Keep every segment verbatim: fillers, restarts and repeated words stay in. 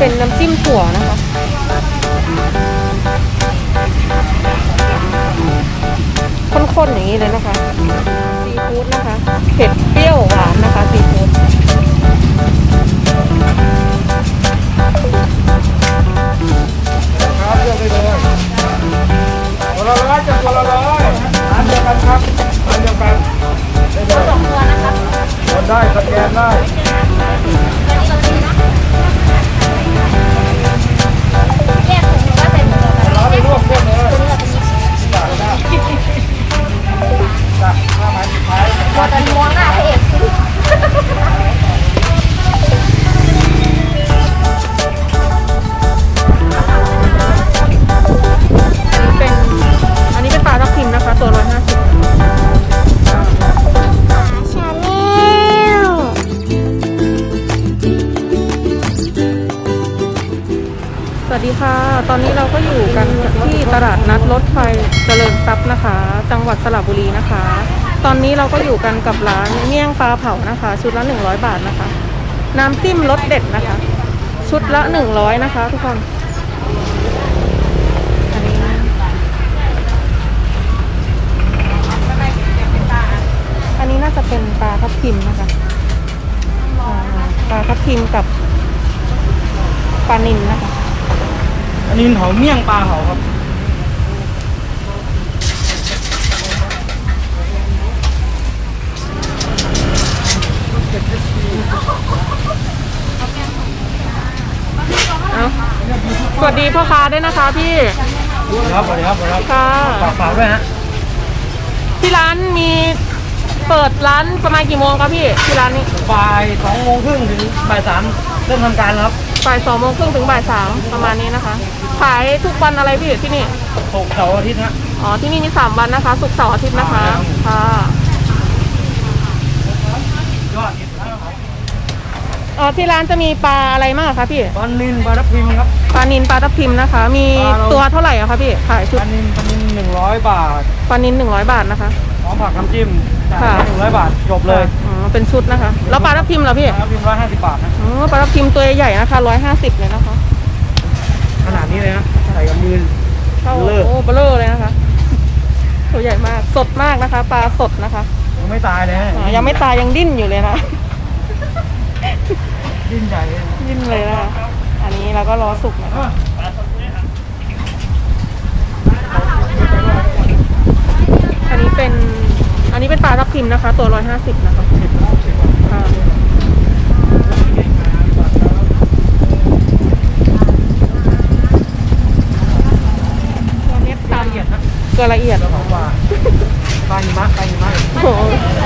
เป็นน้ำจิ้มถั่วนะคะข้นๆอย่างนี้เลยนะคะซีฟู้ดนะคะเผ็ดเปรี้ยวหวานนะคะซีฟู้ดครับเลือกได้เลยคนละร้อยจะคนละร้อยร้านเดียวกันครับร้านเดียวกันได้เลยสองตัวนะครับกดได้สแกนได้แยกถุงหรือว่าใส่ถุงเดียวกันร้านไปรวบรวมเลยจ้ะจ้ะห้าไม้สุดท้ายหมดกันม้วนหน้าพระเอกเป็นอันนี้เป็นปลาทับทิมนะคะตัวร้อยห้าสิบชาแนลสวัสดีค่ะตอนนี้เราก็อยู่กันที่ตลาดนัดรถไฟเจริญทรัพย์นะคะ จังหวัดสระบุรีนะคะ ตอนนี้เราก็อยู่กันกับร้านเมี่ยงปลาเผานะคะ ชุดละหนึ่งร้อยบาทนะคะน้ำจิ้มรสเด็ดนะคะ ชุดละหนึ่งร้อยนะคะทุกคนอันนี้อันนี้น่าจะเป็นปลาทับทิมนะคะปลาทับทิมกับปลานิลนะคะอันนี้เผาเมี่ยงปลาเผาครับเอาสวัสดีพ่อค้าด้วยนะคะพี่ครับสวัสดีครับสวัสดีครับค่ะฝากฝากด้วยฮะที่ร้านมีเปิดร้านประมาณกี่โมงครับพี่ที่ร้านนี้บ่ายสองโมงครึ่งถึงบ่ายสามเริ่มทำการแล้วครับบ่ายสองโมงครึ่งถึงบ่ายสามประมาณนี้นะคะขายทุกวันอะไรพี่ที่นี่ตกเสาร์อาทิตย์ฮะอ๋อที่นี่มีสามวันนะคะศุกร์เสาร์อาทิตย์นะคะค่ะยอดอ๋อที่ร้านจะมีปลาอะไรมากคะพี่ปลานิลปลาทับทิมครับปลานินปลาทับทิมนะคะ มีปลาเราตัวเท่าไหร่อะคะพี่ขายชุปดลานิลปลานิลหนึ่งร้อยบาทปลานินหนึ่งร้อยบาทนะคะพร้อมผักน้ำจิ้มจ่ายค่ะหนึ่งร้อยบาทจบเลยอ๋อเป็นชุดนะคะแล้วปลาทับทิมเหรอพี่ปลาทับทิมร้อยห้าสิบบาทนะอ๋อปลาทับทิมตัวใหญ่นะคะร้อยห้าสิบเลยนะคะขนาดนี้เลยนะใส่กับมือเท่าเบลอโอ้เบลอเลยนะคะ ตัวใหญ่มากสดมากนะคะ ปลาสดนะคะยังไม่ตายเลยฮะอ่ายังไม่ตายยังดิ้นอยู่เลยนะดิ้นใหญ่เลยดิ้นเลยนะคะอันนี้เราก็รอสุกนะคะอันนี้เป็นอันนี้เป็นปลาทับทิมนะคะ ตัวร้อยห้าสิบนะคะค่ะตัวเม็ดตามละเอียดนะเกลือละเอียดแล้วของว่าปลาหิมะปลาหิมะโอ้โห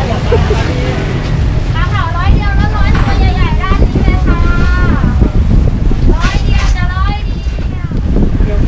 ปลาเผาร้อยเดียวแล้วร้อยตัวใหญ่ๆด้านนี้เลยค่ะร้อยเดียวจะร้อยเดียว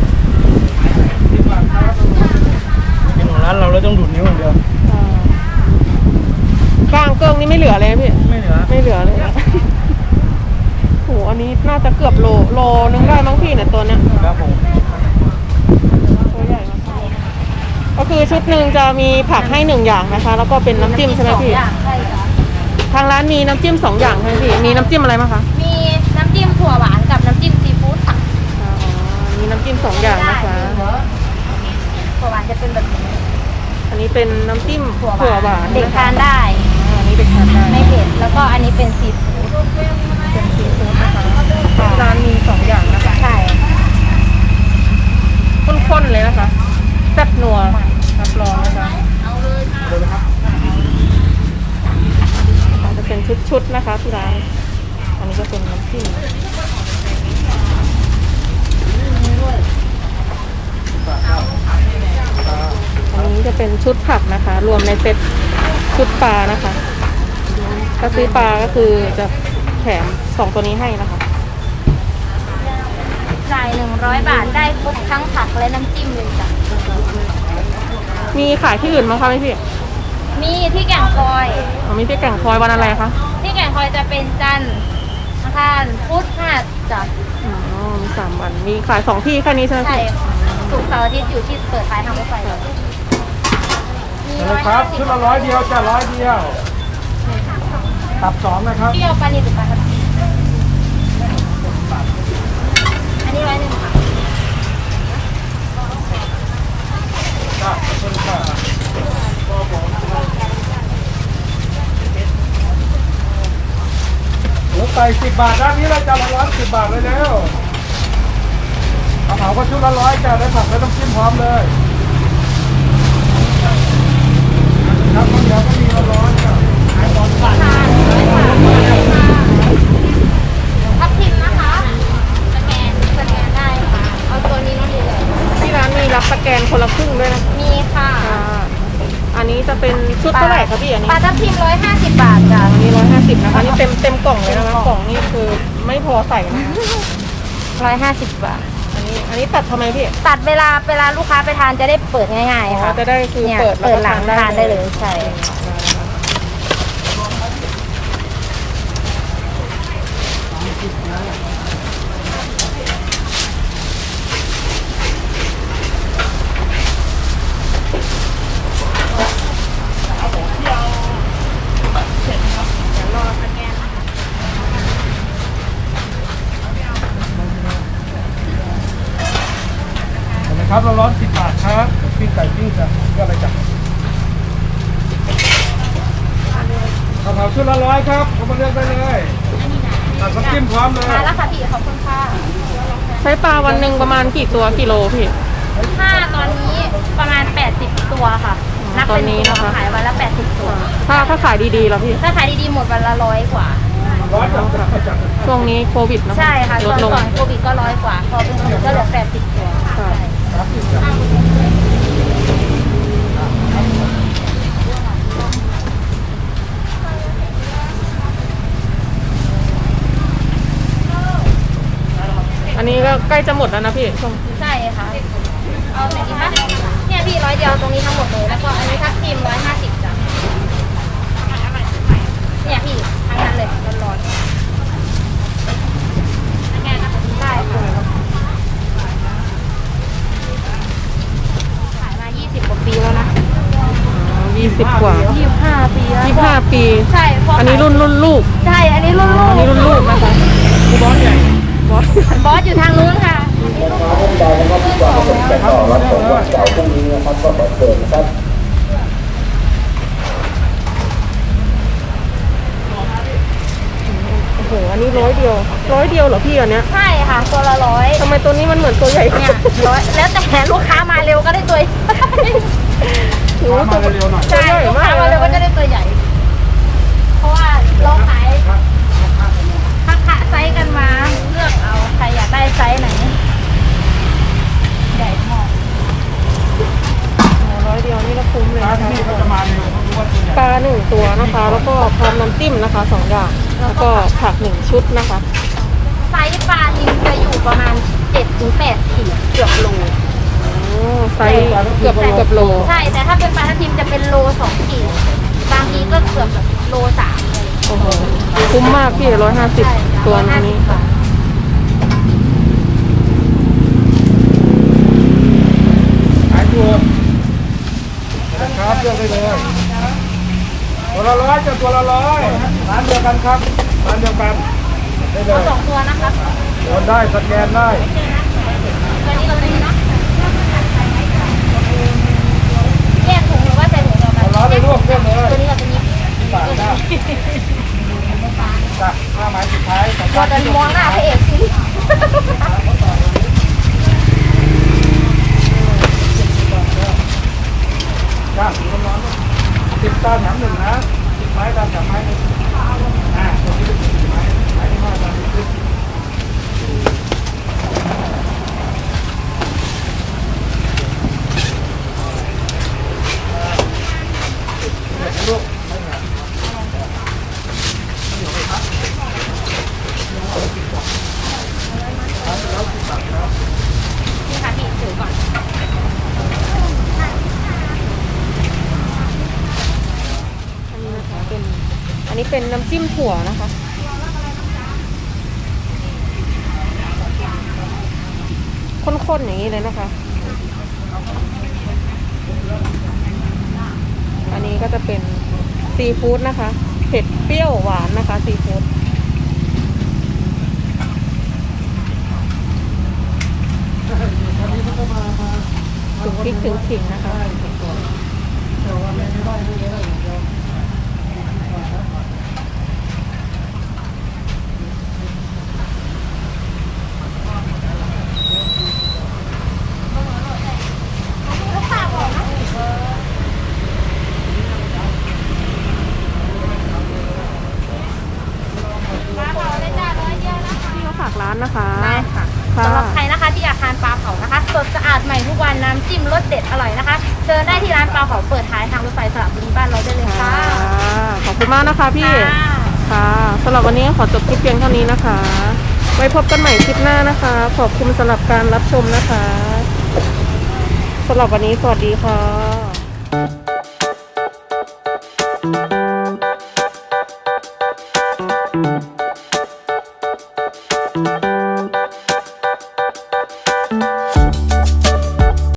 เป็นของร้านเราเราต้องดูดนิ้วอย่างเดียวอ่ากลางเกิงนี่ไม่เหลือเลยพี่ไม่เหลือไม่เหลือเลยนะโหอันนี้น่าจะเกือบโลโลนึงได้มั้งพี่เนี่ยตัวเนี้ยครับผมตัวใหญ่มากก็คือชุดหนึ่งจะมีผักให้หนึ่งอย่างนะคะ แล้วก็เป็นน้ำจิ้มใช่ไหมพี่อย่างใช่ค่ะทางร้านมีน้ำจิ้มสองอย่างใช่ไหมพี่มีน้ำจิ้มอะไรบ้างคะมีน้ำจิ้มถั่วหวานกับน้ำจิ้มซีฟู้ดค่ะอ๋อมีน้ำจิ้มสองอย่างนะคะถั่วหวานจะเป็นแบบนี้อันนี้เป็นน้ำจิ้มถั่วถั่วหวาวหาน นเด็กนะคะทานได้อ๋ออันนี้เด็กทานได้ไม่เผ็ดแล้วก็อันนี้เป็นซีฟู้ดเป็นซีฟู้ดนะคะที่ร้านมีสองอย่างนะคะใช่ข้นๆเลยนะคะแซ่บนัวรับรองนะคะจะเป็นชุดๆนะคะที่ร้านอันนี้ก็เป็นน้ำจิ้มอันนี้จะเป็นชุดผักนะคะ รวมในเซ็ตชุดปลานะคะถ้าซื้อปลาก็คือจะแถมสองตัวนี้ให้นะคะจ่ายหนึ่งร้อยบาทได้ครบทั้งผักและน้ำจิ้มเลยจ้ะมีขายที่อื่นมั้งคะพี่มีที่แก่งคอยอ๋อมีที่แก่งคอยวันอะไรคะที่แก่งคอยจะเป็นจันทร์อังคารพุธพฤหัสจ้ะอ๋อมีสามวันมีขายสองที่แค่นี้ใช่ไหมใช่พี่ค่ะศุกร์เสาร์อาทิตย์อยู่ที่เปิดท้ายทางรถไฟเลยมีเอาร้เลอยยครัห้าบสิบชุดละร้อยเดียวจ้ะร้อยเดียวตับสองนะครับเปรี้ยวปลานิลหรือปลาทับทิมสิบบาทด้านนี้เราจะละร้อยสิบบาทเลยแล้วกระเพราก็ชุดละร้อยจ้าได้ผักและน้ำจิ้มพร้อมเลยครับข้าวเหนียวก็มีละร้อยจ้าขายตอนบ่ายทับทิมนะคะสแกนสแกนได้ค่ะเอาตัวนี้น้องดีเลยที่ร้านมีรับสแกนคนละครึ่งด้วยนะมีค่ะค่ะอันนี้จะเป็นชุดเท่าไหร่คะพี่อันนี้ปลาทับทิมร้อยห้าสิบบาทจ้ะอันนี้ร้อยห้าสิบนะคะนี่เต็มเต็มกล่องเลยนะคะกล่องนี่คือไม่พอใส่นะคะร้อยห้าสิบบาทอันนี้อันนี้ตัดทำไมพี่ตัดเวลาเวลาลูกค้าไปทานจะได้เปิดง่ายอ๋อๆค่ะจะได้คือเนี่ยเปิดเปิดหลังแล้วก็ทานได้เลยใช่นะครับเราร้อนสิบบาทครับปิ้งไก่ปิ้งจ้ะก็อะไรจ้ะกระเพราชุดละร้อยครับเอามาเลือกได้เลยตัดน้ำจิ้มพร้อมเลยมาแล้วค่ะพี่ขอบคุณค่ะใช้ปลาวันหนึ่งประมาณกี่ตัวกิโลพี่ถ้าตอนนี้ประมาณแปดสิบตัวค่ะ นับตอเป็น นนี้ตัวนะคะขายวันละแปดสิบตัวถ้าถ้าขายดีๆแล้วพี่ถ้าขายดีๆหมดวันละร้อยกว่าร้อยจ้ะจ้ะช่วงนี้โควิดเนอะใช่ค่ะลตอดนลงก่อนโควิดก็ร้อยกว่า พอเป็นโควิดก็เหลือแปดสิบตัวค่ะครับจ้ะอันนี้ก็ใกล้จะหมดแล้วนะพี่ช่วงใช่ค่ะ เอาไหนดีคะเนี่ยพี่ร้อยเดียวตรงนี้ทั้งหมดเลย แล้วก็อันนี้ทับทิมร้อยห้าสิบจ้ะเนี่ยพี่ทั้งนั้นเลยร้อนๆได้ค่ะขายมายี่สิบกว่าปีแล้วนะยี่สิบกว่ายี่สิบห้าปีแล้วยี่สิบห้าปีใช่พอันนี้รุ่นรุ่นลูกใช่ อันนี้รุ่นลูกอันนี้รุ่นลูกนะคะผู้ร้อนใหญ่บอสบอสอยู่ทางนู้นค่ะครับผมรับส่งวันเสาร์พรุ่งนี้นะครับก็ขอเชิญนะครับโอ้โหอันนี้ร้อยเดียวร้อยเดียวเหรอพี่อันเนี้ยใช่ค่ะ ตัวละร้อยทำไมตัวนี้มันเหมือนตัวใหญ่เนี่ยร้อยแล้วแต่ลูกค้ามาเร็วก็ได้ตัวโอ้โหมาตัวเร็วๆหน่อยใช่ลูกค้ามาเร็วก็จะได้ตัวใหญ่ เพราะว่าเราขายทักคะไซส์กันมา เลือกเอาใครอยากได้ไซส์ไหน ใหญ่พอโอ้ร้อยเดียวนี่ก็คุ้มเลยร้านนะคะที่นี่ก็จะมาเร็วเพราะรู้ว่าตัวใหญ่ปลาหนึ่งตัวนะคะ แล้วก็พร้อมน้ำจิ้มนะคะสองอย่างแล้วก็ผักหนึ่งชุดนะคะไซส์ปลานิลจะอยู่ประมาณเจ็ดถึงแปดขีดเกือบโลโอ้ไซส์เกือบเกือบโลใช่ แต่ถ้าเป็นปลาทับทิมจะเป็นโลสองขีดบางทีก็เกือบแบบโลสามเลยโอ้โหคุ้มมากพี่ร้อยห้าสิบใช่จ้ะตัวร้อยห้าสินี้บบาทขายตัวนะครับเลือกได้เลยตัวละร้อยจะตัวละร้อยร้านเดียวกันครับร้านเดียวกันได้เลเอายสองตัวนะครับโอนได้สแกนได้ตัวนี้กับตัวนี้เนาะแยกถุงหรือว่าใส่ถุงเดียวกันเอาร้อยไปรวบเรื่องเลยตัวนี้กับตัวนี้บาทจ้าจ้ะห้าไม้สุดท้ายของเราจะมองหน้าพระเอกสิจ้าร้อนๆสิบตาแถมหนึ่งนะสิบไม้ตาแถมไม้หนึ่งอ่าตัวนี้เป็นสี่ไม้ไม้ที่ห้าตาหนึ่งลูกนี่ค่ะพี่ถือก่อนอันนี้นะคะเป็นอันนี้เป็นน้ำจิ้มถั่วนะคะข้นๆอย่างนี้เลยนะคะ อันนี้ก็จะเป็นซีฟู้ดนะคะเผ็ดเปรี้ยวหวานนะคะซีฟู้ดถึงพริกถึงขิงนะคะานนะคะได้ค่ะค่ะสำหรับใครนะคะที่อยากทานปลาเผานะคะสดสะอาดใหม่ทุกวันน้ำจิ้มรสเด็ดอร่อยนะคะเชิญได้ที่ร้านปลาเผาเปิดท้ายทางรถไฟสระบุรีบ้านเราได้เลยค่ะค่ะขอบคุณมากนะคะพี่ค่ะค่ะสำหรับวันนี้ขอจบคลิปเพียงเท่านี้นะคะ ไว้พบกันใหม่คลิปหน้านะคะ ขอบคุณสำหรับการรับชมนะคะสำหรับวันนี้สวัสดีค่ะ